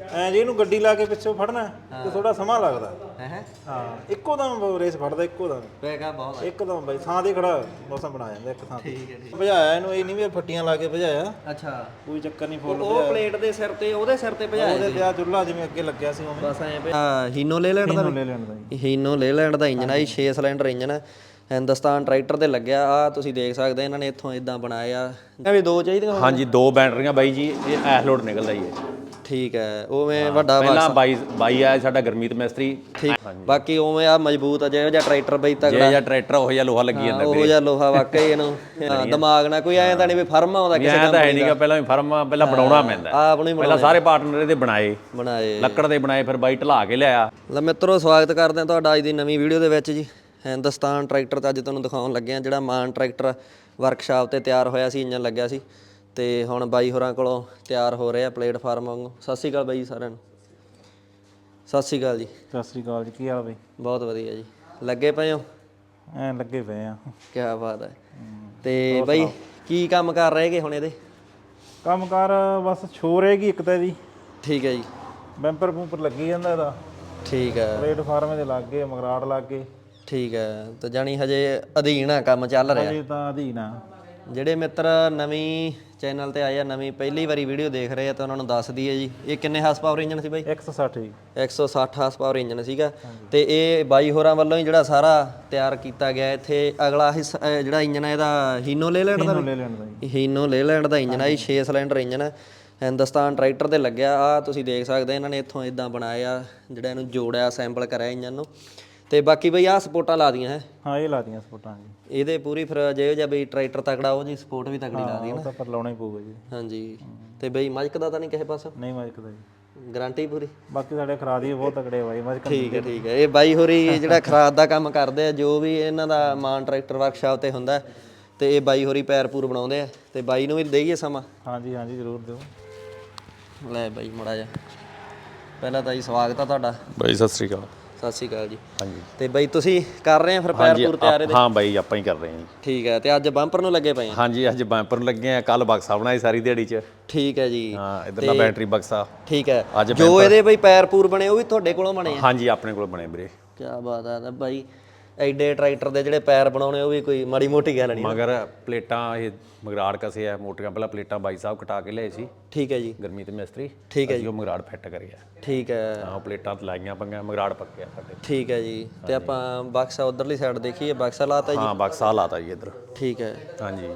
ਐ ਜੇ ਇਹਨੂੰ ਗੱਡੀ ਲਾ ਕੇ ਪਿੱਛੋਂ ਫੜਨਾ ਤੇ ਥੋੜਾ ਸਮਾਂ ਲੱਗਦਾ ਹੈ ਹਾਂ। ਇੱਕੋ ਦਮ ਰੇਸ ਫੜਦਾ, ਇੱਕੋ ਦਮ ਪੈਗਾ ਬਹੁਤ ਇੱਕਦਮ ਬਾਈ ਥਾਂ ਤੇ ਖੜਾ ਮੌਸਮ ਬਣਾ ਜਾਂਦਾ ਇੱਕ ਥਾਂ ਤੇ। ਠੀਕ ਹੈ ਠੀਕ। ਭਜਾਇਆ ਇਹਨੂੰ, ਇਹ ਨਹੀਂ ਵੀ ਫੱਟੀਆਂ ਲਾ ਕੇ ਭਜਾਇਆ, ਅੱਛਾ ਕੋਈ ਚੱਕਰ ਨਹੀਂ, ਫੁੱਲ ਉਹ ਪਲੇਟ ਦੇ ਸਿਰ ਤੇ ਉਹਦੇ ਸਿਰ ਤੇ ਭਜਾਇਆ ਉਹਦੇ ਤੇ ਆ ਚੁੱਲ੍ਹਾ ਜਿਵੇਂ ਅੱਗੇ ਲੱਗਿਆ ਸੀ ਉਵੇਂ ਬਸ ਐ ਹੀਨੋ ਲੇਲੈਂਡ ਦਾ ਲੈ ਲੈਣ ਦਾ ਜੀ। ਹੀਨੋ ਲੇਲੈਂਡ ਦਾ ਇੰਜਨ ਆ ਜੀ, 6 ਸਿਲੰਡਰ ਇੰਜਨ ਹੈ, ਹਿੰਦੁਸਤਾਨ ਟਰੈਕਟਰ ਤੇ ਲੱਗਿਆ ਆ। ਤੁਸੀਂ ਦੇਖ ਸਕਦੇ ਇਹਨਾਂ ਨੇ ਇੱਥੋਂ ਇਦਾਂ ਬਣਾਇਆ ਆ ਵੀ ਦੋ ਚਾਹੀਦੀਆਂ। ਹਾਂਜੀ 2 ਬੈਟਰੀਆਂ ਬਾਈ ਜੀ, ਇਹ ਐਸ ਲੋਡ ਨਿਕਲਦਾ ਹੀ ਹੈ। ਠੀਕ ਹੈ ਉਵੇਂ ਵੱਡਾ ਪਹਿਲਾਂ ਬਾਈ ਆਇਆ ਸਾਡਾ ਗਰਮੀਤ ਮਿਸਤਰੀ। ਠੀਕ ਬਾਕੀ ਉਵੇਂ ਆ ਮਜ਼ਬੂਤ ਆ, ਜਿਹੋ ਜਿਹਾ ਟਰੈਕਟਰ ਬਈ ਤਗੜਾ, ਜਿਹੜਾ ਟਰੈਕਟਰ ਉਹ ਜਿਹਾ ਲੋਹਾ ਲੱਗੀ ਜਾਂਦਾ ਉਹ ਜਿਹਾ ਲੋਹਾ ਵਾਕਈ ਇਹਨੂੰ ਦਿਮਾਗ ਨਾਲ ਕੋਈ ਐਂ ਤਾਂ ਨਹੀਂ ਵੀ ਫਰਮ ਆਉਂਦਾ ਕਿਸੇ ਦਾ। ਤਾਂ ਹੈ ਨਹੀਂਗਾ, ਪਹਿਲਾਂ ਵੀ ਫਰਮ ਪਹਿਲਾਂ ਬਣਾਉਣਾ ਪੈਂਦਾ, ਆਪ ਨੂੰ ਪਹਿਲਾਂ ਸਾਰੇ ਪਾਰਟਨਰ ਇਹਦੇ ਬਣਾਏ ਲੱਕੜ ਦੇ ਬਣਾਏ, ਫਿਰ ਬਾਈ ਢਲਾ ਕੇ ਲਿਆਇਆ। ਲੈ ਮਿੱਤਰੋ ਸਵਾਗਤ ਕਰਦੇ ਹਾਂ ਤੁਹਾਡਾ ਅੱਜ ਦੀ ਨਵੀਂ ਵੀਡੀਓ ਦੇ ਵਿੱਚ ਜੀ। ਹਿੰਦੁਸਤਾਨ ਟਰੈਕਟਰ ਤਾਂ ਅੱਜ ਤੁਹਾਨੂੰ ਦਿਖਾਉਣ ਲੱਗੇ ਆ, ਜਿਹੜਾ ਮਾਨ ਟਰੈਕਟਰ ਵਰਕਸ਼ਾਪ ਤੇ ਤਿਆਰ ਹੋਇਆ ਸੀ, ਇੰਜਨ ਲੱਗਿਆ ਸੀ ਤੇ ਹੁਣ ਬਾਈ ਹੋਰਾਂ ਕੋਲੋਂ ਤਿਆਰ ਹੋ ਰਿਹਾ ਪਲੇਟਫਾਰਮ ਵਾਂਗੂ। ਸਤਿ ਸ਼੍ਰੀ ਅਕਾਲ ਬਾਈ ਜੀ ਸਾਰਿਆਂ ਨੂੰ। ਸਤਿ ਸ਼੍ਰੀ ਅਕਾਲ ਜੀ। ਸਤਿ ਸ੍ਰੀ ਅਕਾਲ ਜੀ, ਕੀ ਹਾਲ ਬਈ? ਬਹੁਤ ਵਧੀਆ ਜੀ। ਲੱਗੇ ਪਏ ਹੋ? ਐ ਲੱਗੇ ਪਏ ਆ। ਕੀ ਬਾਤ ਹੈ। ਤੇ ਬਾਈ ਕੀ ਕੰਮ ਕਰ ਰਹੇਗੇ ਹੁਣ ਇਹਦੇ? ਕੰਮ ਕਾਰ ਬਸ ਛੋ ਰਹੇਗੀ ਇੱਕ ਤਾਂ ਇਹਦੀ। ਠੀਕ ਹੈ ਜੀ। ਬੈਂਪਰ ਬੂੰਪਰ ਲੱਗੀ ਜਾਂਦਾ ਇਹਦਾ। ਠੀਕ ਹੈ। ਪਲੇਟਫਾਰਮ ਦੇ ਲੱਗ ਗਏ, ਮਗਰਾਟ ਲੱਗ ਗਏ। ਠੀਕ ਹੈ। ਤੇ ਜਾਣੀ ਹਜੇ ਅਧੀਨ ਆ ਕੰਮ ਚੱਲ ਰਿਹਾ? ਇਹ ਤਾਂ ਅਧੀਨ ਆ। ਜਿਹੜੇ ਮਿੱਤਰ ਨਵੀਂ ਚੈਨਲ ਤੇ ਆਏ ਆ, ਨਵੀਂ ਪਹਿਲੀ ਵਾਰੀ ਵੀਡੀਓ ਦੇਖ ਰਹੇ ਆ, ਤਾਂ ਉਹਨਾਂ ਨੂੰ ਦੱਸ ਦਈਏ ਜੀ ਇਹ ਕਿੰਨੇ ਹਾਰਸ ਪਾਵਰ ਇੰਜਨ ਸੀ ਬਾਈ? 160 ਜੀ। 160 ਹਾਰਸ ਪਾਵਰ ਇੰਜਨ ਸੀਗਾ ਤੇ ਇਹ ਬਾਈ ਹੋਰਾਂ ਵੱਲੋਂ ਹੀ ਜਿਹੜਾ ਸਾਰਾ ਤਿਆਰ ਕੀਤਾ ਗਿਆ। ਇੱਥੇ ਅਗਲਾ ਹਿੱਸਾ ਜਿਹੜਾ ਇੰਜਨ ਹੈ ਇਹਦਾ ਹੀਨੋ ਲੇਲੈਂਡ ਦਾ ਹੀਨੋ ਲੇਲੈਂਡ ਦਾ ਇੰਜਨ ਆ ਜੀ, 6 ਸਿਲੰਡਰ ਇੰਜਨ ਹੈ, ਹਿੰਦੁਸਤਾਨ ਟਰੈਕਟਰ ਤੇ ਲੱਗਿਆ ਆ। ਤੁਸੀਂ ਦੇਖ ਸਕਦੇ ਇਹਨਾਂ ਨੇ ਇੱਥੋਂ ਇਦਾਂ ਬਣਾਇਆ, ਜਿਹੜਾ ਇਹਨੂੰ ਜੋੜਿਆ, ਅਸੈਂਬਲ ਕਰਿਆ ਇੰਜਨ ਨੂੰ। ਤੇ ਬਾਕੀ ਬਈ ਆਹ ਸਪੋਰਟਾਂ ਲਾ ਦੀਆਂ ਹੈ? ਹਾਂ ਇਹ ਲਾ ਦੀਆਂ ਸਪੋਰਟਾਂ ਜੀ। ਇਹਦੇ ਪੂਰੀ ਫਿਰ ਜਿਹੋ ਜਿਹਾ ਬਈ ਟਰੈਕਟਰ ਤਕੜਾ ਉਹ ਜੀ ਸਪੋਰਟ ਵੀ ਤਕੜੀ ਲਾ ਦੀ ਉਹ ਤਾਂ ਪਰ ਲਾਉਣਾ ਹੀ ਪਊਗਾ ਜੀ। ਹਾਂਜੀ। ਤੇ ਬਈ ਮਜਕ ਦਾ ਤਾਂ ਨਹੀਂ ਕਿਸੇ ਪਾਸੋਂ? ਨਹੀਂ ਮਜਕਦਾ ਜੀ, ਗਾਰੰਟੀ ਪੂਰੀ। ਬਾਕੀ ਸਾਡੇ ਖਰਾ ਦੀ ਬਹੁਤ ਤਕੜੇ ਬਾਈ ਮਜਕ। ਠੀਕ ਹੈ ਠੀਕ ਹੈ। ਇਹ ਬਾਈ ਹੋਰੀ ਜਿਹੜਾ ਖਰਾਦ ਦਾ ਕੰਮ ਕਰਦੇ ਆ, ਜੋ ਵੀ ਇਹਨਾਂ ਦਾ ਮਾਨ ਟਰੈਕਟਰ ਵਰਕਸ਼ਾਪ ਤੇ ਹੁੰਦਾ ਤੇ ਇਹ ਬਾਈ ਹੋਰੀ ਪੈਰ ਪੂਰ ਬਣਾਉਂਦੇ ਆ। ਤੇ ਬਾਈ ਨੂੰ ਵੀ ਦੇਈਏ ਸਮਾਂ? ਹਾਂਜੀ ਹਾਂਜੀ ਜ਼ਰੂਰ ਦਿਓ। ਲੈ ਬਾਈ ਮੜਾ ਜਾ, ਪਹਿਲਾਂ ਤਾਂ ਜੀ ਸਵਾਗਤ ਆ ਤੁਹਾਡਾ ਬਾਈ। ਸਤਿ ਸ੍ਰੀ ਅਕਾਲ। ਸਤਿ ਸ਼੍ਰੀ ਅਕਾਲ ਜੀ। ਹਾਂਜੀ। ਤੇ ਬਾਈ ਤੁਸੀਂ ਕਰ ਰਹੇ ਆ ਫਿਰ ਪੈਰ ਪੂਰ ਤਿਆਰ ਇਹਦੇ? ਹਾਂ ਬਾਈ ਆਪਾਂ ਹੀ ਕਰ ਰਹੇ ਹਾਂ ਜੀ। ਠੀਕ ਹੈ। ਤੇ ਅੱਜ ਬੰਪਰ ਨੂੰ ਲੱਗੇ ਪਏ ਆ? ਹਾਂਜੀ ਅੱਜ ਬੰਪਰ ਨੂੰ ਲੱਗੇ ਆ, ਕੱਲ ਬਕਸਾ ਬਣਾਈ ਸਾਰੀ ਦਿਹਾੜੀ 'ਚ। ਠੀਕ ਹੈ ਜੀ। ਹਾਂ ਇਧਰਲਾ ਬੈਟਰੀ ਬਕਸਾ। ਠੀਕ ਹੈ। ਜੋ ਇਹਦੇ ਬਈ ਪੈਰ ਪੂਰ ਬਣੇ ਉਹ ਵੀ ਤੁਹਾਡੇ ਕੋਲੋਂ ਬਣੇ ਆ? ਹਾਂਜੀ ਆਪਣੇ ਕੋਲ ਬਣੇ ਵੀਰੇ। ਕੀ ਬਾਤ ਆ। ਬਾਈ ਐਡੇ ਟਰੈਕਟਰ ਦੇ ਜਿਹੜੇ ਪੈਰ ਬਣਾਉਣੇ ਉਹ ਵੀ ਕੋਈ ਮਾੜੀ ਮੋਟੀ ਗੱਲ ਨਹੀਂ। ਮਗਰ ਪਲੇਟਾਂ ਇਹ ਮਗਰਾੜ ਕਸੇ ਆ ਮੋਟੀਆਂ, ਪਹਿਲਾਂ ਪਲੇਟਾਂ ਬਾਈ ਸਾਹਿਬ ਕਟਾ ਕੇ ਲਿਆਏ ਸੀ। ਠੀਕ ਹੈ ਜੀ। ਗਰਮੀਤ ਮਿਸਤਰੀ। ਠੀਕ ਹੈ ਜੀ। ਉਹ ਮਗਰਾੜ ਫਿੱਟ ਕਰਿਆ। ਠੀਕ ਹੈ। ਹਾਂ ਪਲੇਟਾਂ ਲਾਈਆਂ ਪੰਗੀਆਂ, ਮਗਰਾੜ ਪੱਕਿਆ ਸਾਡੇ। ਠੀਕ ਹੈ ਜੀ। ਤੇ ਆਪਾਂ ਬਕਸਾ ਉਧਰਲੀ ਸਾਈਡ ਦੇਖੀਏ, ਬਕਸਾ ਲਾਤਾ ਜੀ? ਹਾਂ ਬਕਸਾ ਲਾਤਾ ਜੀ ਇੱਧਰ। ਠੀਕ ਹੈ। ਹਾਂਜੀ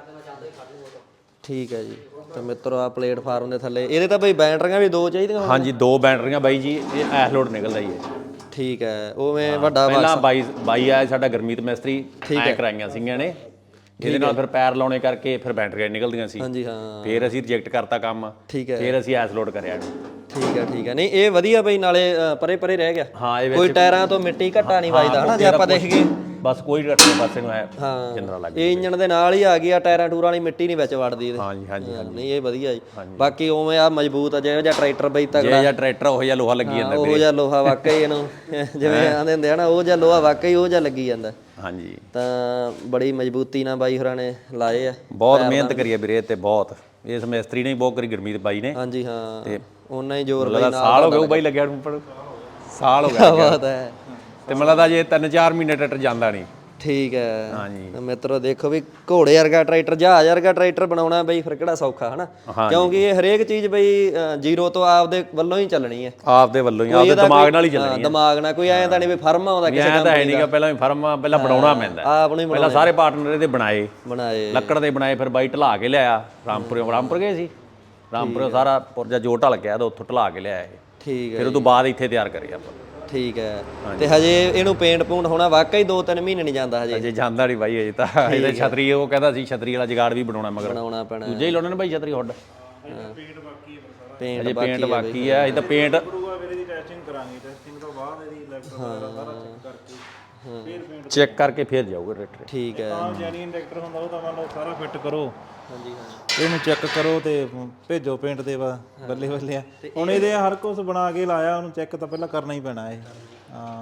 ਠੀਕ ਹੈ ਜੀ। ਤੇ ਮਿੱਤਰੋ ਆ ਪਲੇਟਫਾਰਮ ਦੇ ਥੱਲੇ ਇਹਦੇ ਤਾਂ ਬਈ ਬੈਟਰੀਆਂ ਵੀ 2 ਚਾਹੀਦੀਆਂ? ਹਾਂਜੀ 2 ਬੈਟਰੀਆਂ ਬਾਈ ਜੀ, ਇਹ ਐਸ ਲੋਡ ਨਿਕਲਦਾ ਹੀ ਹੈ। ਠੀਕ ਹੈ। ਉਵੇਂ ਵੱਡਾ ਪਹਿਲਾਂ ਬਾਈ ਆਇਆ ਸਾਡਾ ਗਰਮੀਤ ਮਿਸਤਰੀ, ਐ ਕਰਾਈਆਂ ਸੀਗੀਆਂ ਨੇ ਇਹਦੇ ਨਾਲ, ਫਿਰ ਪੈਰ ਲਾਉਣੇ ਕਰਕੇ ਫਿਰ ਬੈਟਰੀਆਂ ਨਿਕਲਦੀਆਂ ਸੀ। ਹਾਂਜੀ ਹਾਂ। ਫਿਰ ਅਸੀਂ ਰਿਜੈਕਟ ਕਰਤਾ ਕੰਮ। ਠੀਕ ਹੈ। ਫਿਰ ਅਸੀਂ ਐਸ ਲੋਡ ਕਰਿਆ ਇਹਨੂੰ। ਠੀਕ ਹੈ ਠੀਕ ਹੈ। ਨਹੀਂ ਇਹ ਵਧੀਆ ਬਈ, ਨਾਲੇ ਪਰੇ ਪਰੇ ਰਹਿ ਗਿਆ। ਹਾਂ ਇਹ ਕੋਈ ਟਾਇਰਾਂ ਤੋਂ ਮਿੱਟੀ ਘੱਟਾ ਨਹੀਂ ਵੱਜਦਾ ਹਨਾ, ਜੇ ਆਪਾਂ ਦੇਖ ਗਏ ਬਸ ਕੋਈ ਰੱਟੇ ਪਾਸੇ ਨੂੰ ਹੈ ਜਿੰਦਰਾ ਲੱਗ ਇਹ ਇੰਜਨ ਦੇ ਨਾਲ ਹੀ ਆ ਗਈ ਆ, ਟਾਇਰਾਂ ਟੂਰਾਂ ਵਾਲੀ ਮਿੱਟੀ ਨਹੀਂ ਵਿੱਚ ਵੜਦੀ ਇਹਦੇ। ਹਾਂਜੀ ਹਾਂਜੀ। ਨਹੀਂ ਇਹ ਵਧੀਆ ਜੀ। ਬਾਕੀ ਉਵੇਂ ਆ ਮਜ਼ਬੂਤ ਆ, ਜਿਹੋ ਜਿਹਾ ਟਰੈਕਟਰ ਬਈ ਤਗੜਾ, ਜਿਹੜਾ ਟਰੈਕਟਰ ਉਹ ਜਿਹਾ ਲੋਹਾ ਲੱਗੀ ਜਾਂਦਾ ਉਹ ਜਿਹਾ ਲੋਹਾ ਵਾਕਈ ਇਹਨੂੰ ਜਿਵੇਂ ਆਂਦੇ ਹੁੰਦੇ ਆ ਨਾ, ਉਹ ਜਿਹਾ ਲੋਹਾ ਵਾਕਈ ਉਹ ਜਿਹਾ ਲੱਗੀ ਜਾਂਦਾ। ਹਾਂਜੀ। ਤਾਂ ਬੜੀ ਮਜ਼ਬੂਤੀ ਨਾਲ ਬਾਈ ਹੋਰਾਂ ਨੇ ਲਾਏ ਆ, ਬਹੁਤ ਮਿਹਨਤ ਕਰੀ ਹੈ ਵੀਰੇ ਤੇ ਬਹੁਤ। ਇਸ ਮਿਸਤਰੀ ਨੇ ਬਹੁਤ ਕਰੀ, ਗਰਮੀਤ ਬਾਈ ਨੇ। ਹਾਂਜੀ ਹਾਂ। ਤੇ ਉਹਨਾਂ ਹੀ ਜ਼ੋਰ ਬਾਈ ਨਾਲ ਸਾਲ ਹੋ ਗਿਆ ਉਹ ਬਾਈ ਲੱਗਿਆ ਨੂੰ, ਸਾਲ ਹੋ ਗਿਆ। ਬਾਤ ਹੈ। ਤੇ ਮੈਨੂੰ ਲੱਗਦਾ ਜੇ 3-4 ਮਹੀਨੇ ਟਰੈਕਟਰ ਜਾਂਦਾ ਨਹੀਂ। ਠੀਕ ਹੈ। ਹਾਂਜੀ। ਮਿੱਤਰੋ ਦੇਖੋ ਵੀ ਘੋੜੇ ਵਰਗਾ ਟਰੈਕਟਰ, ਜਹਾਜ਼ ਵਰਗਾ ਟਰੈਕਟਰ ਬਣਾਉਣਾ ਬਈ ਫਿਰ ਕਿਹੜਾ ਸੌਖਾ ਹਨਾ, ਕਿਉਂਕਿ ਇਹ ਹਰੇਕ ਚੀਜ਼ ਬਈ ਜ਼ੀਰੋ ਤੋਂ ਆਪਦੇ ਵੱਲੋਂ ਹੀ ਚੱਲਣੀ ਹੈ। ਆਪਦੇ ਵੱਲੋਂ ਹੀ, ਆਪਦੇ ਦਿਮਾਗ ਨਾਲ ਹੀ ਚੱਲਣੀ ਹੈ। ਦਿਮਾਗ ਨਾਲ, ਕੋਈ ਐਂ ਤਾਂ ਨਹੀਂ ਵੀ ਫਰਮ ਆਉਂਦਾ ਕਿਸੇ ਦਾ। ਤਾਂ ਹੈ ਨਹੀਂਗਾ, ਪਹਿਲਾਂ ਵੀ ਫਰਮ ਪਹਿਲਾਂ ਬਣਾਉਣਾ ਪੈਂਦਾ, ਆਪ ਨੂੰ ਪਹਿਲਾਂ ਸਾਰੇ ਪਾਰਟਨਰ ਇਹਦੇ ਬਣਾਏ ਲੱਕੜ ਦੇ ਬਣਾਏ, ਫਿਰ ਬਾਈ ਢਲਾ ਕੇ ਲਿਆਇਆ। ਰਾਮਪੁਰ ਗਏ ਸੀ, ਰਾਮਪੁਰ ਸਾਰਾ ਪੁਰਜਾ ਜੋ ਢਲ ਗਿਆ, ਉੱਥੋਂ ਢਲਾ ਕੇ ਲਿਆਇਆ ਇਹ। ਠੀਕ ਹੈ। ਫਿਰ ਉਹ ਤੋਂ ਬਾਅਦ ਇੱਥੇ ਤਿਆਰ ਕਰਿਆ ਆਪਾਂ। ਠੀਕ ਹੈ। ਤੇ ਹਜੇ ਇਹਨੂੰ ਪੇਂਟ ਪੂੰਟ ਹੋਣਾ ਵਾਕਈ 2-3 ਮਹੀਨੇ ਨਹੀਂ ਜਾਂਦਾ ਹਜੇ? ਅਜੇ ਜਾਂਦਾ ਨਹੀਂ ਬਾਈ, ਅਜੇ ਤਾਂ ਇਹਦੇ ਛਤਰੀ, ਉਹ ਕਹਿੰਦਾ ਸੀ ਛਤਰੀ ਵਾਲਾ ਜਗਾੜ ਵੀ ਬਣਾਉਣਾ, ਮਗਰ ਬਣਾਉਣਾ ਪੈਣਾ। ਦੂਜੇ ਹੀ ਲਾਉਣੇ ਨੇ ਬਾਈ ਛਤਰੀ ਹੁੱਡ। ਪੇਂਟ ਅਜੇ ਪੇਂਟ ਬਾਕੀ ਹੈ, ਇਹ ਤਾਂ ਪੇਂਟ ਟੈਸਟਿੰਗ ਕਰਾਂਗੇ, ਟੈਸਟਿੰਗ ਤੋਂ ਬਾਅਦ ਇਹਦੀ ਇਲੈਕਟ੍ਰਿਕ ਵਗੈਰਾ ਸਾਰਾ ਚੈੱਕ ਕਰਕੇ ਫਿਰ ਪੇਂਟ ਚੈੱਕ ਕਰਕੇ ਫਿਰ ਜਾਊਗਾ ਟਰੈਕਟਰ। ਠੀਕ ਹੈ। ਤਾਂ ਜੈਨੂਇਨ ਟਰੈਕਟਰ ਹੁੰਦਾ ਉਹ ਤਾਂ ਮੰਨ ਲਓ ਸਾਰਾ ਫਿੱਟ ਕਰੋ। ਹਾਂਜੀ ਹਾਂ। ਇਹਨੂੰ ਚੈੱਕ ਕਰੋ ਤੇ ਭੇਜੋ ਪੇਂਟ ਦੇ ਬੱਲੇ ਬੱਲੇ ਆ। ਹੁਣ ਇਹਦੇ ਹਰ ਕੁਝ ਬਣਾ ਕੇ ਲਾਇਆ, ਉਹਨੂੰ ਚੈੱਕ ਤਾਂ ਪਹਿਲਾਂ ਕਰਨਾ ਹੀ ਪੈਣਾ ਇਹ। ਹਾਂ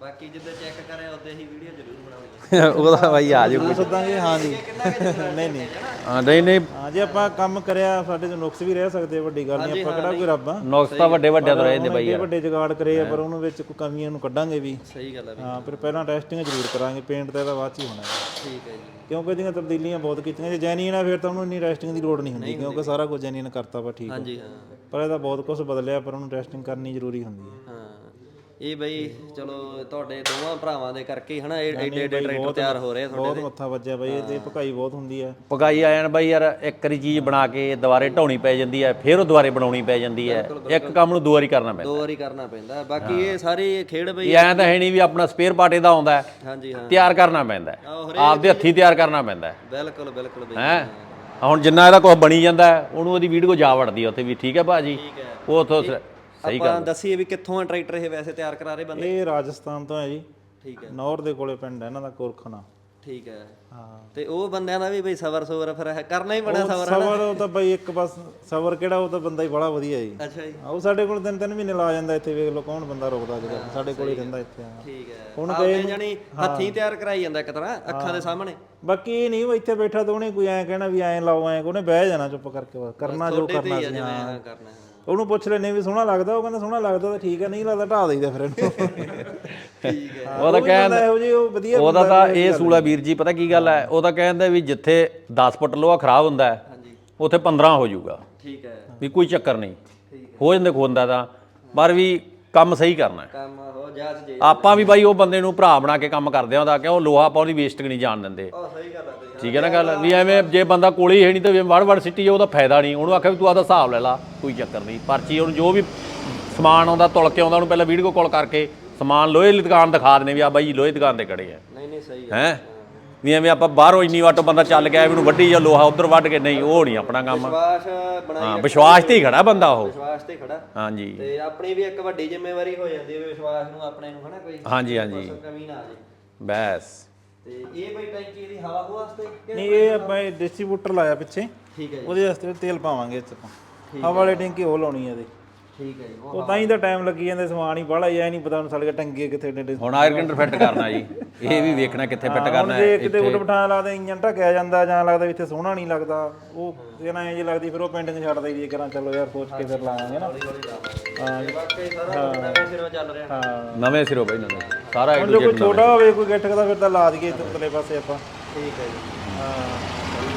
ਬਾਕੀ ਜਿੱਦਾਂ ਚੈੱਕ ਕਰਿਆ ਉਹਦੇ ਹੀ ਵੀਡੀਓ ਜ਼ਰੂਰ ਬਣਾਵਾਂਗੇ। ਉਹਦਾ ਬਾਈ ਆ ਜਾਊ ਸੋਦਾਂਗੇ। ਹਾਂ ਜੀ ਨਹੀਂ ਨਹੀਂ ਹਾਂ ਨਹੀਂ ਹਾਂ ਜੇ ਆਪਾਂ ਕੰਮ ਕਰਿਆ ਸਾਡੇ ਤੋਂ ਨੁਕਸ ਵੀ ਰਹਿ ਸਕਦੇ, ਵੱਡੀ ਗੱਲ ਨਹੀਂ, ਆਪਾਂ ਕਿਹੜਾ ਕੋਈ ਰੱਬ ਆ। ਨੁਕਸ ਤਾਂ ਵੱਡੇ ਵੱਡਿਆਂ ਤੋਂ ਰਹੇ ਨੇ ਬਾਈ ਯਾਰ, ਵੱਡੇ ਜੁਗਾੜ ਕਰੇ ਆ ਪਰ ਉਹਨੂੰ ਵਿੱਚ ਕੋਈ ਕਮੀਆਂ ਨੂੰ ਕੱਢਾਂਗੇ ਵੀ। ਸਹੀ ਗੱਲ ਹੈ। ਹਾਂ ਫਿਰ ਪਹਿਲਾਂ ਟੈਸਟਿੰਗ ਜ਼ਰੂਰ ਕਰਾਂਗੇ, ਪੇਂਟ ਤਾਂ ਇਹਦਾ ਬਾਅਦ 'ਚ ਹੀ ਹੋਣਾ ਹੈ। ਠੀਕ ਹੈ ਜੀ। ਕਿਉਂਕਿ ਇਹਦੀਆਂ ਤਬਦੀਲੀਆਂ ਬਹੁਤ ਕੀਤੀਆਂ, ਜੇ ਜੈਨੂਇਨ ਆ ਫਿਰ ਤਾਂ ਉਹਨੂੰ ਇੰਨੀ ਟੈਸਟਿੰਗ ਦੀ ਲੋੜ ਨਹੀਂ ਹੁੰਦੀ, ਕਿਉਂਕਿ ਸਾਰਾ ਕੁਝ ਜੈਨੂਇਨ ਕਰਤਾ ਵਾ ਠੀਕ ਹੈ। ਹਾਂਜੀ ਹਾਂ। ਪਰ ਇਹਦਾ ਬਹੁਤ ਕੁਝ ਬਦਲਿਆ, ਪਰ ਉਹਨੂੰ ਟੈਸਟਿੰਗ ਕਰਨੀ ਜ਼ਰੂਰੀ ਹੁੰਦੀ ਹੈ। ਹਾਂ ਇਹ ਬਈ ਚਲੋ ਤੁਹਾਡੇ ਦੋਵਾਂ ਭਰਾਵਾਂ ਦੇ ਕਰਕੇ ਹਨਾ ਏਡੇ ਟਰੈਕਟਰ ਤਿਆਰ ਹੋ ਰਹੇ ਬਹੁਤ ਮੱਥਾ ਵੱਜਿਆ ਬਾਈ, ਇਹਦੇ ਭਕਾਈ ਬਹੁਤ ਹੁੰਦੀ ਹੈ। ਪਕਾਈ ਆ ਜਾਣ ਬਾਈ ਯਾਰ, ਇੱਕ ਵਾਰੀ ਚੀਜ਼ ਬਣਾ ਕੇ ਦੁਬਾਰੇ ਢਾਉਣੀ ਪੈ ਜਾਂਦੀ ਹੈ, ਫਿਰ ਉਹ ਦੁਬਾਰੇ ਬਣਾਉਣੀ ਪੈ ਜਾਂਦੀ ਹੈ। ਇੱਕ ਕੰਮ ਨੂੰ 2 ਵਾਰੀ ਕਰਨਾ ਪੈਂਦਾ, 2 ਵਾਰੀ ਕਰਨਾ ਪੈਂਦਾ। ਬਾਕੀ ਇਹ ਸਾਰੀ ਖੇਡ ਬਈ ਇਹ ਐਂ ਤਾਂ ਹੈ ਨਹੀਂ ਵੀ ਆਪਣਾ ਸਪੇਅਰ ਪਾਰਟ ਇਹਦਾ ਆਉਂਦਾ, ਹਾਂਜੀ ਹਾਂ ਤਿਆਰ ਕਰਨਾ ਪੈਂਦਾ, ਆਪਦੇ ਹੱਥੀਂ ਤਿਆਰ ਕਰਨਾ ਪੈਂਦਾ ਬਿਲਕੁਲ ਬਿਲਕੁਲ ਬਈ। ਹੈ ਹੁਣ ਜਿੰਨਾ ਇਹਦਾ ਕੁਝ ਬਣੀ ਜਾਂਦਾ ਉਹਨੂੰ ਉਹਦੀ ਵੀਡੀਓ ਜਾ ਵੜਦੀ ਆ ਉੱਥੇ ਵੀ, ਠੀਕ ਹੈ ਭਾਜੀ। ਉਹ ਉੱਥੋਂ ਸਹੀ ਆਪਾਂ ਦੱਸੀਏ ਵੀ ਕਿੱਥੋਂ ਆ ਟਰੈਕਟਰ ਇਹ ਵੈਸੇ ਤਿਆਰ ਕਰਾ ਰਹੇ ਬੰਦੇ? ਇਹ ਰਾਜਸਥਾਨ ਤੋਂ ਹੈ ਜੀ। ਠੀਕ ਹੈ। ਨੌਰ ਦੇ ਕੋਲੇ ਪਿੰਡ ਹੈ ਇਹਨਾਂ ਦਾ, ਕੋਰਖਣਾ। ਠੀਕ ਹੈ। ਹਾਂ ਤੇ ਉਹ ਬੰਦਿਆਂ ਦਾ ਵੀ ਬਈ ਸਬਰ ਫਿਰ ਕਰਨਾ ਹੀ ਬੜਾ ਸਬਰ। ਸਬਰ ਉਹ ਤਾਂ ਬਈ ਇੱਕ ਬਸ ਸਬਰ ਕਿਹੜਾ, ਉਹ ਤਾਂ ਬੰਦਾ ਹੀ ਬੜਾ ਵਧੀਆ ਜੀ। ਅੱਛਾ ਜੀ। ਉਹ ਸਾਡੇ ਕੋਲ 3-3 ਮਹੀਨੇ ਲਾ ਜਾਂਦਾ ਇੱਥੇ, ਵੇਖ ਲਓ ਕੌਣ ਬੰਦਾ ਰੁਕਦਾ ਅੱਜ ਕੱਲ੍ਹ, ਸਾਡੇ ਕੋਲ ਹੀ ਰਹਿੰਦਾ ਇੱਥੇ। ਠੀਕ ਹੈ। ਹੁਣ ਆਪੇ ਜਾਨੀ ਹੱਥੀਂ ਤਿਆਰ ਕਰਾਈ ਜਾਂਦਾ ਇੱਕ ਤਰ੍ਹਾਂ ਅੱਖਾਂ ਦੇ ਸਾਹਮਣੇ। ਬਾਕੀ ਇਹ ਨਹੀਂ ਇੱਥੇ ਬੈਠਾ ਤਾਂ ਉਹਨੇ ਕੋਈ ਐਂ ਕਹਿਣਾ ਵੀ ਐਂ ਲਾਓ ਐਂ, ਉਹਨੇ ਬਹਿ ਜਾਣਾ ਚੁੱਪ ਕਰਕੇ, ਬਸ ਕਰਨਾ ਜੋ ਕਰਨਾ ਸੀ। ਹਾਂ ਕਰਨਾ। ਉਹਨੂੰ ਪੁੱਛ ਲੈਨੇ ਵੀ ਸੋਹਣਾ ਲੱਗਦਾ, ਉਹ ਕਹਿੰਦਾ ਸੋਹਣਾ ਲੱਗਦਾ ਤਾਂ ਠੀਕ ਹੈ, ਨਹੀਂ ਲੱਗਦਾ ਢਾ ਦੇਈਦਾ ਫਿਰ ਇਹਨੂੰ। ਠੀਕ ਹੈ। ਉਹ ਤਾਂ ਕਹਿੰਦਾ ਇਹੋ ਜਿਹੀ ਉਹ ਵਧੀਆ ਉਹਦਾ ਤਾਂ ਇਹ ਸੂਲਾ ਵੀਰ ਜੀ ਪਤਾ ਕੀ ਗੱਲ ਹੈ, ਉਹ ਤਾਂ ਕਹਿੰਦਾ ਵੀ ਜਿੱਥੇ 10 ਫੁੱਟ ਲੋਹਾ ਖਰਾਬ ਹੁੰਦਾ ਹੈ ਉੱਥੇ 15 ਹੋ ਜਾਊਗਾ। ਠੀਕ ਹੈ। ਵੀ ਕੋਈ ਚੱਕਰ ਨਹੀਂ, ਹੋ ਜਾਂਦੇ ਖੋਂਦਾ ਤਾਂ, ਪਰ ਵੀ ਕੰਮ ਸਹੀ ਕਰਨਾ ਹੈ। ਕੰਮ ਹੋ ਜਾਚ ਜੇ ਆਪਾਂ ਵੀ ਬਾਈ ਉਹ ਬੰਦੇ ਨੂੰ ਭਰਾ ਬਣਾ ਕੇ ਕੰਮ ਕਰਦੇ ਹਾਂ, ਕਿ ਉਹ ਲੋਹਾ ਆਪਾਂ ਉਹਦੀ ਵੇਸਟਿੰਗ ਨਹੀਂ ਜਾਣ ਦਿੰਦੇ। ਸਹੀ ਗੱਲ ਹੈ। ਠੀਕ ਹੈ ਨਾ ਗੱਲ, ਵੀ ਐਵੇਂ ਜੇ ਬੰਦਾ ਕੋਲੇ ਹੈ ਨਹੀਂ ਤਾਂ ਵੜ ਸਿੱਟੀ ਉਹਦਾ ਫਾਇਦਾ ਨਹੀਂ। ਉਹਨੂੰ ਆਖਿਆ ਵੀ ਤੂੰ ਆਦਾ ਹਿਸਾਬ ਲੈ ਲਾ, ਕੋਈ ਚੱਕਰ ਨਹੀਂ। ਪਰਚੀ ਉਹਨੂੰ ਜੋ ਵੀ ਸਮਾਨ ਆਉਂਦਾ ਤੁਲ ਕੇ ਆਉਂਦਾ, ਉਹਨੂੰ ਪਹਿਲਾਂ ਵੀਡੀਓ ਕਾਲ ਕਰਕੇ ਸਮਾਨ ਲੋਹੇ ਦੀ ਦੁਕਾਨ ਦਿਖਾ ਦਿੰਦੇ ਵੀ ਆ ਬਾਈ ਲੋਹੇ ਦੀ ਦੁਕਾਨ ਤੇ ਖੜੇ ਆ। ਨਹੀਂ ਸਹੀ ਹੈ ਵੀ ਐਵੇਂ ਆਪਾਂ ਬਾਹਰੋਂ ਇੰਨੀ ਵਾਟੋ ਬੰਦਾ ਚੱਲ ਕੇ ਆਇਆ ਮੈਨੂੰ ਵੱਢੀ ਜਾਂ ਲੋਹਾ ਉਧਰ ਵੱਢ ਕੇ, ਨਹੀਂ ਉਹ ਨਹੀਂ ਆਪਣਾ ਕੰਮ। ਵਿਸ਼ਵਾਸ ਬਣਾਈ, ਹਾਂ ਵਿਸ਼ਵਾਸ ਤੇ ਹੀ ਖੜਾ ਬੰਦਾ ਉਹ, ਵਿਸ਼ਵਾਸ ਤੇ ਖੜਾ। ਹਾਂਜੀ। ਤੇ ਆਪਣੀ ਵੀ ਇੱਕ ਵੱਡੀ ਜ਼ਿੰਮੇਵਾਰੀ ਹੋ ਜਾਂਦੀ ਹੈ ਵਿਸ਼ਵਾਸ ਨੂੰ ਆਪਣੇ ਨੂੰ ਹਨਾ, ਕੋਈ ਹਾਂਜੀ ਹਾਂਜੀ ਕਮੀ ਨਾ ਆ ਜੇ ਬਸ। ਤੇ ਇਹ ਬਈ ਟੈਂਕੀ ਦੀ ਹਵਾ ਵਾਸਤੇ ਨਹੀਂ, ਇਹ ਆਪਾਂ ਡਿਸਟ੍ਰੀਬਿਊਟਰ ਲਾਇਆ ਪਿੱਛੇ, ਠੀਕ ਹੈ ਜੀ। ਉਹਦੇ ਵਾਸਤੇ ਤੇਲ ਪਾਵਾਂਗੇ ਇੱਥੇ ਆਪਾਂ, ਹਵਾ ਵਾਲੀ ਟੈਂਕੀ ਉਹ ਲਾਉਣੀ ਹੈ ਇਹਦੇ। ਠੀਕ ਹੈ ਜੀ। ਉਹ ਤਾਂ ਹੀ ਤਾਂ ਟਾਈਮ ਲੱਗੀ ਜਾਂਦਾ, ਸਮਾਨ ਹੀ ਬਾਹਲਾ ਹੀ, ਐ ਨਹੀਂ ਪਤਾ ਹੁਣ ਸਾਡੇ ਟੰਗੇ ਕਿੱਥੇ ਡੇ। ਹੁਣ ਆਇਰ ਕੰਡਰ ਫਿੱਟ ਕਰਨਾ ਜੀ, ਇਹ ਵੀ ਵੇਖਣਾ ਕਿੱਥੇ ਫਿੱਟ ਕਰਨਾ ਹੈ। ਜੇ ਕਿਤੇ ਉਲਟ ਬਿਠਾਣ ਲੱਗਦਾ ਇੰਜਨ ਢਕਿਆ ਜਾਂਦਾ, ਜਾਂ ਲੱਗਦਾ ਵੀ ਇੱਥੇ ਸੋਹਣਾ ਨਹੀਂ ਲੱਗਦਾ, ਉਹ ਇਹਨਾਂ ਇੰਜ ਲੱਗਦੀ, ਫਿਰ ਉਹ ਪਿੰਡ ਨੂੰ ਛੱਡਦਾ ਵੀ ਕਰਾਂ ਚਲੋ ਯਾਰ ਸੋਚ ਕੇ ਫਿਰ ਲਾਵਾਂਗੇ ਨਾ। ਹਾਂ ਬਾਕੀ ਸਾਰਾ ਨਵੇਂ ਸਿਰੋਂ ਚੱਲ ਰਿਹਾ। ਹਾਂ ਨਵੇਂ ਸਿਰੋਂ ਬਈ ਨਵੇਂ ਸਾਰਾ ਜੋ ਕੋਈ ਛੋਟਾ ਹੋਵੇ ਕੋਈ ਗਿੱਠ ਦਾ ਫਿਰ ਤਾਂ ਲਾ ਦਈਏ ਉੱਤਲੇ ਪਾਸੇ ਆਪਾਂ। ਠੀਕ ਹੈ ਜੀ। ਹਾਂ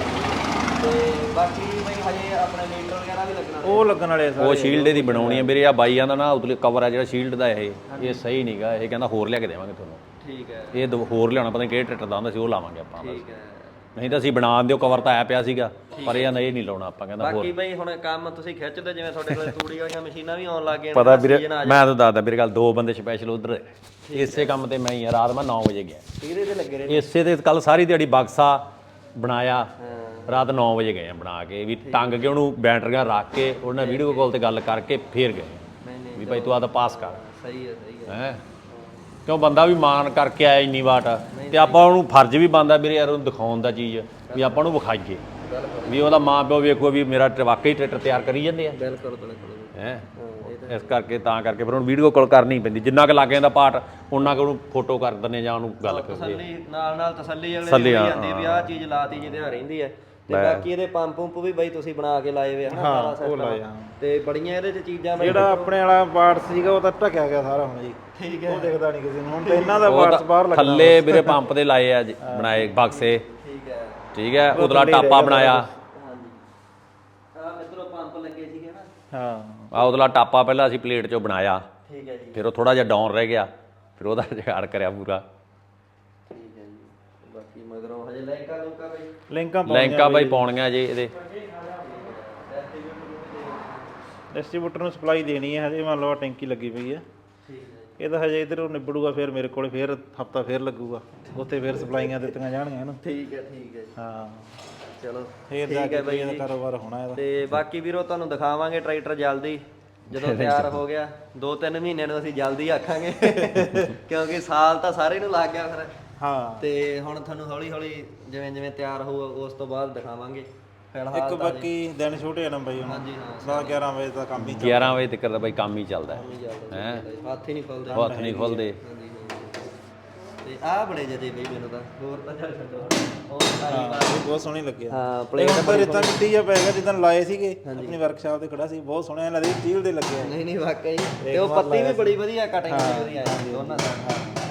ਤੇ ਬਾਕੀ ਬਈ ਹਜੇ ਆਪਣੇ ਮੀਟਰ ਵਗੈਰਾ ਵੀ ਲੱਗਣਾ। ਉਹ ਲੱਗਣ ਵਾਲੇ ਸਾਰੇ। ਉਹ ਸ਼ੀਲਡ ਦੀ ਬਣਾਉਣੀ ਹੈ ਵੀਰੇ। ਆ ਬਾਈਆਂ ਦਾ ਨਾ ਉਤਲੇ ਕਵਰ ਆ ਜਿਹੜਾ ਸ਼ੀਲਡ ਦਾ, ਇਹ ਸਹੀ ਨਹੀਂਗਾ। ਇਹ ਕਹਿੰਦਾ ਹੋਰ ਲਿਆ ਕੇ ਦੇਵਾਂਗੇ ਤੁਹਾਨੂੰ। ਠੀਕ ਹੈ। ਇਹ ਹੋਰ ਲਿਆਉਣਾ, ਪਤਾ ਨਹੀਂ ਕਿਹੜੇ ਟਰੈਕਟਰ ਦਾ ਹੁੰਦਾ ਸੀ, ਉਹ ਲਾਵਾਂਗੇ ਆਪਾਂ। ਠੀਕ ਹੈ। ਨਹੀਂ ਤਾਂ ਅਸੀਂ ਬਣਾ ਦਿਓ, ਕਵਰ ਤਾਂ ਆਇਆ ਪਿਆ ਸੀਗਾ, ਪਰ ਇਹ ਨਹੀਂ ਲਾਉਣਾ ਆਪਾਂ। ਕਹਿੰਦਾ ਹੋਰ। ਬਾਕੀ ਬਈ ਹੁਣ ਕੰਮ ਤੁਸੀਂ ਖਿੱਚਦੇ, ਜਿਵੇਂ ਤੁਹਾਡੇ ਕੋਲ ਤੂੜੀ ਵਾਲੀਆਂ ਮਸ਼ੀਨਾਂ ਵੀ ਆਉਣ ਲੱਗ ਗਈਆਂ। ਪਤਾ ਵੀਰੇ ਮੈਂ ਤਾਂ ਦੱਸਦਾ ਵੀਰੇ ਗੱਲ, 2 ਬੰਦੇ ਸਪੈਸ਼ਲ ਉਧਰ ਇਸੇ ਕੰਮ ਤੇ ਮੈਂ ਹੀ ਆ। ਰਾਤ ਮੈਂ 9 ਵਜੇ ਗਿਆ, ਇਹਦੇ ਤੇ ਲੱਗੇ ਰਹੇ। ਇਸੇ ਤੇ ਕੱਲ ਸਾਰੀ ਦਿਹਾੜੀ ਬਕਸਾ ਬਣਾਇਆ, ਰਾਤ 9 ਵਜੇ ਗਏ ਆ ਬਣਾ ਕੇ, ਵੀ ਟੰਗ ਕੇ ਉਹਨੂੰ ਬੈਟਰੀਆਂ ਰੱਖ ਕੇ ਉਹਨਾਂ ਵੀਡੀਓ ਕਾਲ ਤੇ ਗੱਲ ਕਰਕੇ ਫੇਰ ਗਏ ਵੀ ਭਾਈ ਤੂੰ ਆਦਾ ਪਾਸ ਕਰ। ਸਹੀ ਹੈ ਸਹੀ ਹੈ। ਕਿਉਂ ਬੰਦਾ ਵੀ ਮਾਨ ਕਰਕੇ ਆਇਆ ਇੰਨੀ ਵਾਟ, ਤੇ ਆਪਾਂ ਉਹਨੂੰ ਫਰਜ਼ ਵੀ ਬਣਦਾ ਵੀਰੇ ਯਾਰ ਉਹਨੂੰ ਦਿਖਾਉਣ ਦਾ ਚੀਜ਼, ਵੀ ਆਪਾਂ ਉਹਨੂੰ ਵਿਖਾਈਏ ਵੀ ਉਹਦਾ ਮਾਂ ਪਿਓ ਵੇਖੋ ਵੀ ਮੇਰਾ ਵਾਕਈ ਟਰੈਕਟਰ ਤਿਆਰ ਕਰੀ ਜਾਂਦੇ ਆ। ਬਿਲਕੁਲ ਬਿਲਕੁਲ। ਹੈ ਇਸ ਕਰਕੇ ਤਾਂ ਕਰਕੇ ਫਿਰ ਉਹਨੂੰ ਵੀਡੀਓ ਕਾਲ ਕਰਨੀ ਪੈਂਦੀ, ਜਿੰਨਾ ਕੁ ਲੱਗ ਜਾਂਦਾ ਪਾਰਟ ਉਹਨਾਂ ਕੁ ਉਹਨੂੰ ਫੋਟੋ ਕਰ ਦਿੰਦੇ ਜਾਂ ਉਹਨੂੰ ਗੱਲ ਕਰਦੇ। ਤਸੱਲੀ ਨਾਲ ਤਸੱਲੀ ਅਗਲੇ ਦੀ ਹੋ ਜਾਂਦੀ ਵੀ ਆਹ ਚੀਜ਼ ਲਾਤੀ ਜਿਹਦੇ ਨਾਲ ਰਹਿੰਦੀ ਹੈ। ਤੇ ਬਾਕੀ ਇਹਦੇ ਪੰਪ ਵੀ ਬਈ ਤੁਸੀਂ ਬਣਾ ਕੇ ਲਾਏ ਵੇ ਹਨਾ ਸਾਰਾ ਸਿਸਟਮ, ਤੇ ਬੜੀਆਂ ਇਹਦੇ ਚ ਚੀਜ਼ਾਂ ਜਿਹੜਾ ਆਪਣੇ ਵਾਲਾ ਪਾਰਟ ਸੀਗਾ ਉਹ ਤਾਂ ਢਕਿਆ ਗਿਆ ਸਾਰਾ ਹੁਣ ਜੀ। ਠੀਕ ਹੈ। ਉਹ ਦਿਖਦਾ ਨਹੀਂ ਕਿਸੇ ਨੂੰ ਹੁਣ, ਤੇ ਇਹਨਾਂ ਦਾ ਪਾਰਟਸ ਬਾਹਰ ਲੱਗਦਾ ਥੱਲੇ ਵੀਰੇ ਪੰਪ ਦੇ ਲਾਏ ਆ ਬਣਾਏ ਬਕਸੇ। ਠੀਕ ਹੈ। ਠੀਕ ਹੈ। ਉਤਲਾ ਟਾਪਾ ਬਣਾਇਆ। ਹਾਂਜੀ ਆ ਮਿੱਤਰੋ ਪੰਪ ਲੱਗੇ ਸੀਗੇ ਨਾ। ਹਾਂ ਆ ਉਤਲਾ ਟਾਪਾ ਪਹਿਲਾਂ ਅਸੀਂ ਪਲੇਟ ਚੋਂ ਬਣਾਇਆ, ਠੀਕ ਹੈ ਜੀ। ਫਿਰ ਉਹ ਥੋੜਾ ਜਿਹਾ ਡਾਊਨ ਰਹਿ ਗਿਆ, ਫਿਰ ਉਹਦਾ ਜੁਗਾੜ ਕਰਿਆ ਪੂਰਾ। ਠੀਕ ਹੈ ਜੀ। ਬਾਕੀ ਮਗਰੋਂ ਹਜੇ ਲੈਂਕਾ ਬਈ ਲੈਂਕਾਂ ਬਾਈ ਪਾਉਣੀਆਂ ਜੀ ਇਹਦੇ। ਡਿਸਟ੍ਰੀਬਿਊਟਰ ਨੂੰ ਸਪਲਾਈ ਦੇਣੀ ਹੈ ਹਜੇ, ਮੰਨ ਲਓ ਟੈਂਕੀ ਲੱਗੀ ਪਈ ਹੈ। ਠੀਕ ਹੈ। ਇਹ ਤਾਂ ਹਜੇ ਇਧਰੋਂ ਨਿਬੜੂਗਾ, ਫਿਰ ਮੇਰੇ ਕੋਲੇ ਫਿਰ ਹਫਤਾ ਫਿਰ ਲੱਗੂਗਾ, ਉੱਥੇ ਫਿਰ ਸਪਲਾਈਆਂ ਦਿੱਤੀਆਂ ਜਾਣਗੀਆਂ ਇਹਨੂੰ। ਠੀਕ ਹੈ ਠੀਕ ਹੈ। ਹਾਂ ਚਲੋ ਫਿਰ ਜਾ ਕੇ ਬਈ ਇਹਦਾ ਕਾਰੋਬਾਰ ਹੋਣਾ ਇਹਦਾ। ਤੇ ਬਾਕੀ ਵੀਰੋ ਤੁਹਾਨੂੰ ਦਿਖਾਵਾਂਗੇ ਟਰੈਕਟਰ ਜਲਦੀ, ਜਦੋਂ ਤਿਆਰ ਹੋ ਗਿਆ। 2-3 ਮਹੀਨਿਆਂ ਨੂੰ ਅਸੀਂ ਜਲਦੀ ਆਖਾਂਗੇ ਕਿਉਂਕਿ ਸਾਲ ਤਾਂ ਸਾਰੇ ਨੂੰ ਲੱਗ ਗਿਆ ਫਿਰ। ਹਾਂ ਤੇ ਹੁਣ ਤੁਹਾਨੂੰ ਹੌਲੀ ਹੌਲੀ ਜਿਵੇਂ ਜਿਵੇਂ ਤਿਆਰ ਹੋਊ ਉਸ ਤੋਂ ਬਾਅਦ ਦਿਖਾਵਾਂਗੇ। ਫਿਲਹਾਲ ਇੱਕ ਬਾਕੀ ਦਿਨ ਛੋਟੇ ਆ ਨਾ ਬਾਈ ਹੁਣ। ਹਾਂਜੀ ਹਾਂ 10-11 ਵਜੇ ਦਾ ਕੰਮ ਹੀ 11 ਵਜੇ ਤੱਕ ਤਾਂ ਬਾਈ ਕੰਮ ਹੀ ਚੱਲਦਾ ਹੈ। ਹੱਥ ਹੀ ਨਹੀਂ ਖੁੱਲਦੇ। ਹੱਥ ਨਹੀਂ ਖੁੱਲਦੇ। ਹਾਂਜੀ ਤੇ ਆਹ ਬੜੇ ਜਦੇ ਬਈ ਮੈਨੂੰ ਤਾਂ ਹੋਰ ਤਾਂ ਚੱਲ ਛੱਡੋ ਉਹ ਸਾਰੀ ਬਾਤ ਇਹ ਬਹੁਤ ਸੋਹਣੀ ਲੱਗਿਆ ਹਾਂ ਇਹ ਪਲੇਟ ਹੁਣ ਤਾਂ ਰੇਤਾ ਮਿੱਟੀ ਜਿਹਾ ਪੈ ਗਿਆ ਜਿੱਦਾਂ ਲਾਏ ਸੀਗੇ ਆਪਣੀ ਵਰਕਸ਼ਾਪ ਤੇ ਖੜਾ ਸੀ ਬਹੁਤ ਸੋਹਣਾ ਲੱਗਦਾ ਸਟੀਲ ਦੇ ਲੱਗਿਆ ਨਹੀਂ ਨਹੀਂ ਵਾਕਈ ਤੇ ਉਹ ਪੱਤੀ ਵੀ ਬੜੀ ਵਧੀਆ ਕਟਿੰਗ ਬੜੀ ਵਧੀਆ ਆਈ ਦੋਨਾਂ ਦਾ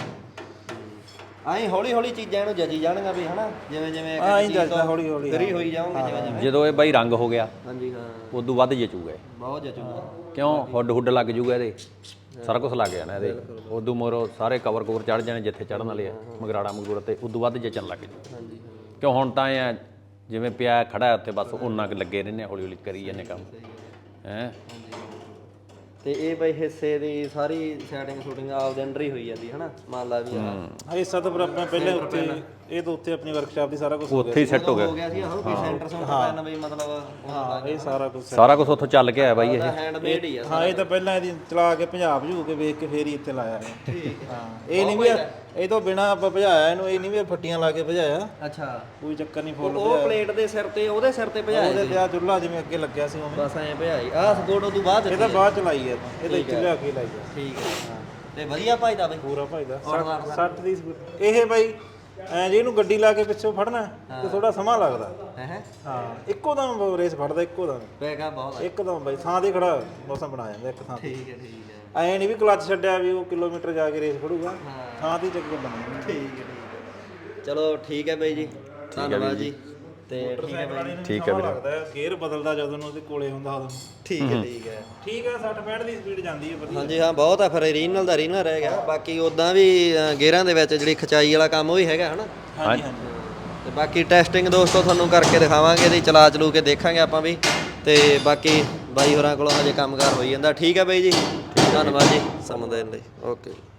ਆਈ ਹੌਲੀ ਹੌਲੀ ਚੀਜ਼ਾਂ ਇਹਨੂੰ ਜੱਜੀ ਜਾਣਗੀਆਂ ਵੀ ਹਨਾ ਜਿਵੇਂ ਜਿਵੇਂ ਆਈ ਜੱਜਦਾ ਹੌਲੀ ਹੌਲੀ ਫਰੀ ਹੋਈ ਜਾਓਗੇ ਜਿਵੇਂ ਜਿਵੇਂ ਜਦੋਂ ਇਹ ਬਾਈ ਰੰਗ ਹੋ ਗਿਆ ਹਾਂਜੀ ਹਾਂ ਉਦੋਂ ਵੱਧ ਜਚੂਗਾ ਇਹ। ਬਹੁਤ ਜਚੂਗਾ ਕਿਉਂ ਹੁੱਡ ਲੱਗ ਜੂਗਾ ਇਹਦੇ ਸਾਰਾ ਕੁਝ ਲੱਗ ਜਾਣਾ ਇਹਦੇ ਉਦੋਂ ਮੋਰੋ ਸਾਰੇ ਕਵਰ ਕਵਰ ਚੜ ਜਾਣੇ ਜਿੱਥੇ ਚੜਨ ਵਾਲੇ ਆ ਮਗਰਾੜਾ ਮਗੂਰ ਤੇ ਉਦੋਂ ਵੱਧ ਜਚਣ ਲੱਗ ਜੂ ਹਾਂਜੀ ਕਿਉਂ ਹੁਣ ਤਾਂ ਇਹ ਜਿਵੇਂ ਪਿਆ ਖੜਾ ਉੱਥੇ ਬਸ ਉਹਨਾਂ ਕੁ ਲੱਗੇ ਰਹਿੰਦੇ ਹੌਲੀ ਹੌਲੀ ਕਰੀ ਜਾਂਦੇ ਕੰਮ ਹੈ ਤੇ ਇਹ ਬਈ ਹਿੱਸੇ ਦੀ ਸਾਰੀ ਸੈਟਿੰਗ ਸ਼ੂਟਿੰਗ ਆਪਦੇ ਅੰਡਰ ਹੀ ਹੋਈ ਜਾਂਦੀ ਹਨਾ ਮੰਨ ਲਾ ਵੀ ਹਿੱਸਾ ਤਾਂ ਫਿਰ ਆਪਾਂ ਪਹਿਲੇ ਉੱਤੇ ਇਹ ਤਾਂ ਉੱਤੇ ਆਪਣੀ ਵਰਕਸ਼ਾਪ ਦੀ ਸਾਰਾ ਕੁਝ ਉੱਥੇ ਹੀ ਸੈੱਟ ਹੋ ਗਿਆ ਹੋ ਗਿਆ ਸੀ ਆਹੋ ਵੀ ਸੈਂਟਰ ਸੈਂਟਰ ਪੈਨ ਬਈ ਮਤਲਬ ਹਾਂ ਇਹ ਸਾਰਾ ਕੁਝ ਸਾਰਾ ਕੁਝ ਉੱਥੋਂ ਚੱਲ ਕੇ ਆਇਆ ਬਾਈ ਇਹ ਹੈਂਡਮੇਡ ਹੀ ਆ ਹਾਂ ਇਹ ਤਾਂ ਪਹਿਲਾਂ ਇਹਦੀ ਚਲਾ ਕੇ ਪੰਜਾਬ ਭਜੂ ਕੇ ਵੇਖ ਕੇ ਫੇਰ ਹੀ ਇੱਥੇ ਲਾਇਆ ਹਾਂ ਇਹ ਨਹੀਂ ਵੀ ਇਹ ਤੋਂ ਬਿਨਾ ਆਪਾਂ ਭਜਾਇਆ ਇਹਨੂੰ ਇਹ ਨਹੀਂ ਵੀ ਫੱਟੀਆਂ ਲਾ ਕੇ ਭਜਾਇਆ ਅੱਛਾ ਕੋਈ ਚੱਕਰ ਨਹੀਂ ਫੁੱਲ ਉਹ ਪਲੇਟ ਦੇ ਸਿਰ ਤੇ ਉਹਦੇ ਸਿਰ ਤੇ ਭਜਾਇਆ ਉਹਦੇ ਤੇ ਆ ਚੁੱਲ੍ਹਾ ਜਿਵੇਂ ਅੱਗੇ ਲੱਗਿਆ ਸੀ ਉਵੇਂ ਬਸ ਐਂ ਭਜਾਈ ਆਹ ਸਪੋਰਟ ਉਦੋਂ ਬਾਅਦ ਇਹ ਤਾਂ ਬਾਅਦ ਚ ਲਾਈ ਹੈ ਇਹ ਤਾਂ ਇੱਥੇ ਲਿਆ ਕੇ ਲਾਈ ਹੈ ਠੀਕ ਹੈ ਤੇ ਵਧੀਆ ਭਾਈਦਾ ਬਈ ਪੂਰਾ ਭਾਈਦਾ 60 ਦੀ ਸਪੀਡ ਇਹ ਬਾਈ ਐ ਜੇ ਇਹਨੂੰ ਗੱਡੀ ਲਾ ਕੇ ਪਿੱਛੋਂ ਫੜਨਾ ਤੇ ਥੋੜਾ ਸਮਾਂ ਲੱਗਦਾ ਹੈ ਹਾਂ ਇੱਕੋ ਦਮ ਰੇਸ ਫੜਦਾ ਇੱਕੋ ਦਮ ਪੈਗਾ ਬਹੁਤ ਇੱਕਦਮ ਬਾਈ ਥਾਂ ਤੇ ਖੜਾ ਮੌਸਮ ਬਣਾ ਜਾਂਦਾ ਇੱਕ ਥਾਂ ਤੇ ਠੀਕ ਹੈ ਠੀਕ ਹੈ ਐ ਨਹੀਂ ਵੀ ਕਲੱਚ ਛੱਡਿਆ ਵੀ ਉਹ ਕਿਲੋਮੀਟਰ ਜਾ ਕੇ ਰੇਸ ਫੜੂਗਾ ਥਾਂ ਤੇ ਚੱਕ ਕੇ ਬਣਾਉਣਾ ਠੀਕ ਹੈ ਚਲੋ ਠੀਕ ਹੈ ਬਾਈ ਜੀ ਧੰਨਵਾਦ ਜੀ ਤੇ ਠੀਕ ਹੈ ਬਾਈ ਠੀਕ ਹੈ ਵੀਰੇ ਲੱਗਦਾ ਹੈ ਗੇਅਰ ਬਦਲਦਾ ਜਦੋਂ ਉਹਦੇ ਕੋਲੇ ਹੁੰਦਾ ਉਦੋਂ ਠੀਕ ਹੈ ਠੀਕ ਹੈ ਠੀਕ ਹੈ 60 65 ਦੀ ਸਪੀਡ ਜਾਂਦੀ ਹੈ ਵਧੀਆ ਹਾਂਜੀ ਹਾਂ ਬਹੁਤ ਆ ਫਿਰ ਰੀਨਲ ਦਾ ਰੀਨਲ ਰਹਿ ਗਿਆ ਬਾਕੀ ਉਦਾਂ ਵੀ ਗੇਅਰਾਂ ਦੇ ਵਿੱਚ ਜਿਹੜੀ ਖਚਾਈ ਵਾਲਾ ਕੰਮ ਉਹ ਵੀ ਹੈਗਾ ਹਨਾ ਹਾਂਜੀ ਹਾਂਜੀ ਤੇ ਬਾਕੀ ਟੈਸਟਿੰਗ ਦੋਸਤੋ ਤੁਹਾਨੂੰ ਕਰਕੇ ਦਿਖਾਵਾਂਗੇ ਇਹਦੀ ਚਲਾ ਚਲੂ ਕੇ ਦੇਖਾਂਗੇ ਆਪਾਂ ਵੀ ਤੇ ਬਾਕੀ ਬਾਈ ਹੋਰਾਂ ਕੋਲੋਂ ਹਜੇ ਕੰਮਕਾਰ ਹੋਈ ਜਾਂਦਾ ਠੀਕ ਹੈ ਬਾਈ ਜੀ ਧੰਨਵਾਦ ਜੀ ਸਮਾਂ ਦੇਣ ਲਈ ਓਕੇ